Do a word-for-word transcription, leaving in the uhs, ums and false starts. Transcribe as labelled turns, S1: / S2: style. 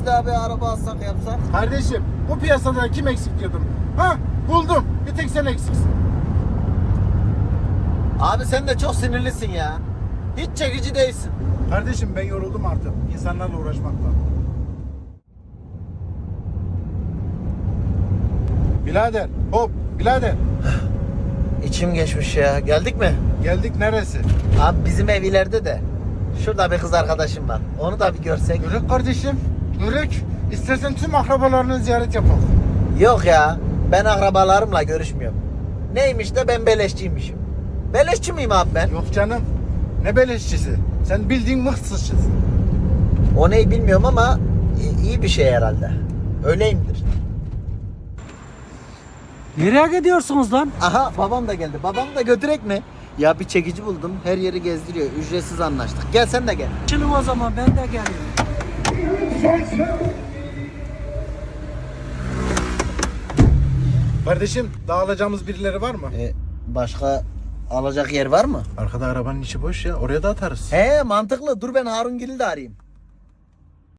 S1: Biz daha bir araba alsak yapsak.
S2: Kardeşim bu piyasada kim eksik diyordum. Ha buldum. Bir tek sen eksiksin.
S1: Abi sen de çok sinirlisin ya. Hiç çekici değilsin.
S2: Kardeşim ben yoruldum artık insanlarla uğraşmaktan. Birader hop birader.
S1: İçim geçmiş ya. Geldik mi?
S2: Geldik neresi?
S1: Abi bizim ev ileride de. Şurada bir kız arkadaşım var. Onu da bir görsek.
S2: Görük kardeşim. Görük. İstersen tüm akrabalarını ziyaret yapalım.
S1: Yok ya. Ben akrabalarımla görüşmüyorum. Neymiş de ben beleşçiymişim. Beleşçi miyim abi ben?
S2: Yok canım. Ne beleşçisi. Sen bildiğin mıhsızçısın.
S1: O neyi bilmiyorum ama i- iyi bir şey herhalde. Öyleyimdir.
S3: Nereye gidiyorsunuz lan?
S1: Aha babam da geldi. Babam da götürek mi? Ya bir çekici buldum. Her yeri gezdiriyor. Ücretsiz anlaştık. Gel sen de gel.
S3: Açılın o zaman, ben de geliyorum.
S2: Kardeşim dağılacağımız birileri var mı?
S1: E, başka alacak yer var mı?
S2: Arkada arabanın içi boş ya. Oraya da atarız.
S1: He mantıklı. Dur ben Harun Gil'i de arayayım.